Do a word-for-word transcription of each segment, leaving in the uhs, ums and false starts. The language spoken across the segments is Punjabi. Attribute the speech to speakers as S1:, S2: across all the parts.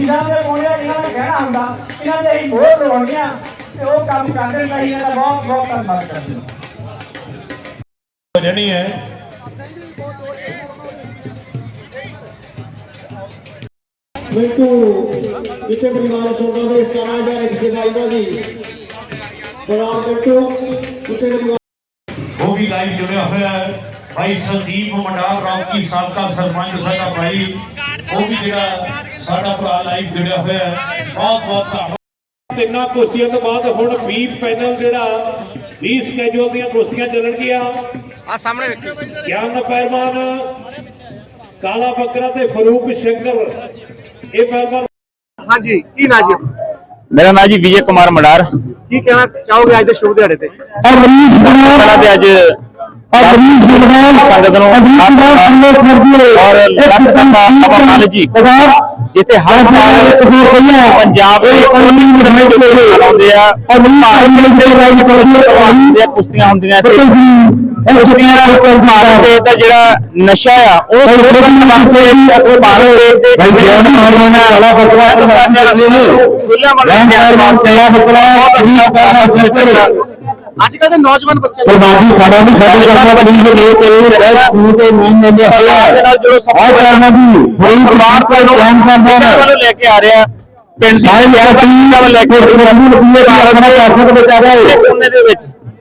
S1: ਡੀਸੀ ਸਾਹਿਬ ਨੇ ਪਾਉਣਿਆ ਇਹਨਾਂ ਨੇ ਕਹਿਣਾ ਹੁੰਦਾ ਇਹਨਾਂ ਦੇ ਅਸੀਂ ਬਹੁਤ ਲਵਾਉਣੀਆਂ ਤੇ ਉਹ ਕੰਮ ਕਰਦੇ ਨਹੀਂ। ਇਹਨਾਂ ਦਾ ਬਹੁਤ ਬਹੁਤ ਧੰਨਵਾਦ ਕਰਦੇ
S2: ਜਣੀ ਹੈ
S3: मिंटू जिते परिवार सोना में सतारह हजार एक से बाईदा दी बराबर मिंटू जिते
S2: वो भी लाइव जुड़े हुए हैं भाई संदीप मंडार रॉकी साबका सरपंच साडा भाई वो भी जेड़ा साडा भरा लाइव जुड़े हुए हैं बहुत बहुत धन्यवाद। तिन्ना कुश्तियों तो बाद हुण बीस पैनल जेड़ा बीस स्कैजुअल दी कुश्तियां चलणगियां आ सामने ज्ञान पहलवान काला बकरा ते फरूक शंकर ਇਹ ਪਹਿਲਵਾਨ।
S4: ਹਾਂਜੀ ਕੀ ਨਾਂ ਜੀ?
S5: ਮੇਰਾ ਨਾਮ ਜੀ ਵਿਜੇ ਕੁਮਾਰ ਮੰਡਾਰ।
S4: ਕੀ ਕਹਿਣਾ ਚਾਹੋਗੇ ਅੱਜ ਦੇ ਸ਼ੁਭ ਦਿਹਾੜੇ ਤੇ?
S5: ਪਹਿਲਾਂ ਤੇ ਅੱਜ ਸੰਗਤ ਨੂੰ ਔਰ ਲੱਖ ਜੀ ਜਿੱਥੇ ਹਰ ਸਾਲ ਪੰਜਾਬ ਦੇ ਆਉਂਦੇ ਆ ਔਰ ਕੁਸ਼ਤੀਆਂ ਹੁੰਦੀਆਂ ਕੁਸ਼ਤੀਆਂ ਭਾਰਤ ਦੇਸ਼ ਦਾ ਜਿਹੜਾ ਨਸ਼ਾ ਆ ਉਹ ਭਾਰਤ ਦੇਸ਼ ਦੇ
S4: ਅੱਜ ਕੱਲ੍ਹ ਦੇ ਨੌਜਵਾਨ ਬੱਚੇ
S5: ਲੈ ਕੇ ਆ ਰਿਹਾ ਪਿੰਡ ਲੈ ਕੇ ਦੇ ਵਿੱਚ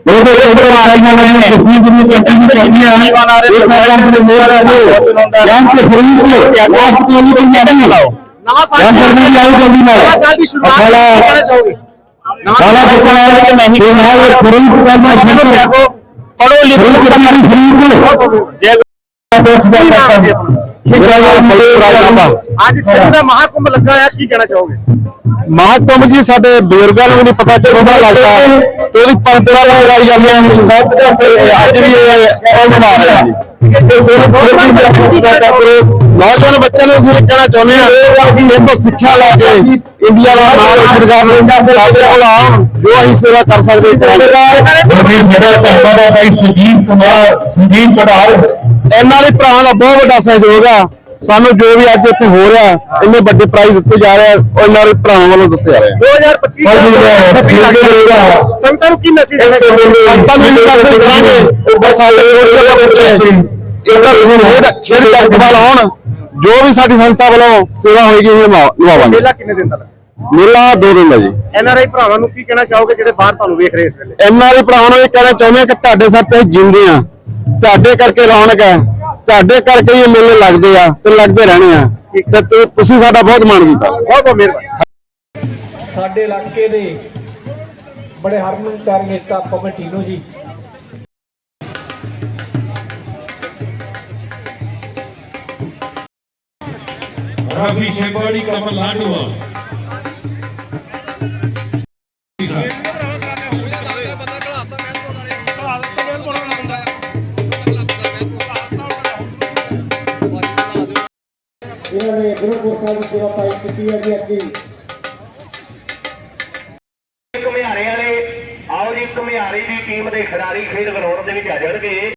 S4: ਨਵਾਂ ਸਾਲ ਦੀ ਸ਼ੁਰੂਆਤ ਕਹਿਣਾ ਚਾਹੋਗੇ?
S5: ਪੜੋ ਲਿਖੋ
S4: ਅੱਜ ਛੇ ਦਾ ਮਹਾਕੁੰਭ ਲੱਗਾ ਹੈ, ਕੀ ਕਹਿਣਾ ਚਾਹੋਗੇ?
S5: ਮਹਾਕੁੰਭ ਜੀ ਸਾਡੇ ਬਜ਼ੁਰਗਾਂ ਨੂੰ ਨਹੀਂ ਪਤਾ ਚੱਲਦਾ ਲੱਗਦਾ ਤੇ ਉਹਦੀ ਪਰੰਪਰਾ ਲਗਾਈ ਜਾਂਦੀਆਂ ਨੇ ਅੱਜ ਵੀ ਉਹ ਬਣਾ ਰਹੇ ਜੀ। ਨੌਜਵਾਨ ਬੱਚਿਆਂ ਨੂੰ ਅਸੀਂ ਕਹਿਣਾ ਚਾਹੁੰਦੇ ਹਾਂ ਇਹ ਤੋਂ ਸਿੱਖਿਆ ਲੈ ਕੇ ਇੰਡੀਆ ਦਾ ਨਾਮ ਰੋਸ਼ਨ ਕਰਨ ਸਾਡੇ ਕੋਲ ਆਉਣ ਜੋ ਅਸੀਂ ਸੇਵਾ ਕਰ ਸਕਦੇ ਮੇਰਾ ਸੰਬੰਧ ਹੈ ਭਾਈ ਸੁਜੀਤ ਕੁਮਾਰ ਸੁਜੀਤ ਪੜਾਰ ਇਹਨਾਂ ਦੇ ਭਰਾਵਾਂ ਦਾ ਬਹੁਤ ਵੱਡਾ ਸਹਿਯੋਗ ਆ। ਸਾਨੂੰ ਜੋ ਵੀ ਅੱਜ ਇੱਥੇ ਹੋ ਰਿਹਾ ਇੰਨੇ ਵੱਡੇ ਪ੍ਰਾਈਜ਼ ਦਿੱਤੇ ਜਾ ਰਹੇ ਉਹ ਇਹਨਾਂ ਦੇ ਭਰਾਵਾਂ ਵੱਲੋਂ ਦਿੱਤੇ ਜਾ ਰਹੇ
S4: ਦੋ ਹਜ਼ਾਰ ਪੱਚੀ ਸੰਗਤਾਂ ਨੂੰ ਕੀ ਮੈਸੇਜ ਦੇਣਾ ਚਾਹੋਗੇ?
S5: ਸੰਗਤਾਂ ਨੂੰ ਮੈਸੇਜ ਕਰਾਂਗੇ ਉਹ ਬਸ ਸਾਡੇ ਬੱਚੇ ਖੇਡ ਜਗਤਵਾਲ ਆਉਣ ਜੋ ਵੀ ਸਾਡੀ ਸੰਸਥਾ ਵੱਲੋਂ ਸੇਵਾ ਹੋਏਗੀ ਨਿਭਾਵਾਂਗੇ।
S4: ਮੇਲਾ ਕਿੰਨੇ ਦਿਨ ਦਾ ਲੱਗਾ?
S5: ਮੇਲਾ ਦੋ ਦਿਨ ਦਾ ਜੀ।
S4: ਐਨ ਆਰ ਆਈ ਭਰਾਵਾਂ ਨੂੰ ਕੀ ਕਹਿਣਾ ਚਾਹੋਗੇ ਜਿਹੜੇ ਬਾਹਰ ਤੁਹਾਨੂੰ ਵੇਖ ਰਹੇ ਇਸ ਵੇਲੇ?
S5: ਐਨ ਆਰ ਆਈ ਭਰਾਵਾਂ ਨੂੰ ਇਹ ਕਹਿਣਾ ਚਾਹੁੰਦੇ ਆ ਕਿ ਤੁਹਾਡੇ ਸਿਰ ਤੇ ਜਿਉਂਦੇ ਆ, ਤੁਹਾਡੇ ਕਰਕੇ ਰੌਣਕ ਹੈ, ਤੁਹਾਡੇ ਕਰਕੇ ਇਹ ਮੇਲੇ ਲੱਗਦੇ ਆ ਤੇ ਲੱਗਦੇ ਰਹਿਣੇ ਆ ਤੇ ਤੁਸੀਂ ਸਾਡਾ ਬਹੁਤ ਮਾਣ ਕੀਤਾ।
S4: ਬਹੁਤ ਬਹੁਤ ਮਿਹਰਬਾਨੀ।
S1: ਸਾਡੇ ਇਲਾਕੇ ਦੇ ਬੜੇ ਹਰਮਨ ਪਿਆਰੇ ਨੇਤਾ ਪਵਨ ਟੀਨੋ ਜੀ
S2: रवि शेपाड़ी कमल लाडवा
S3: इन्होंने गुरुपुर साहब की सेवा पाई की है जी अभी
S4: ਘੁਮਿਆਰੇ ਵਾਲੇ ਆਓ ਜੀ, ਘੁਮਿਆਰੇ ਦੀ ਟੀਮ ਦੇ ਖਿਡਾਰੀ ਖੇਡ ਗਰਾਊਂਡ ਦੇ ਵਿੱਚ ਆ ਜਾਣਗੇ।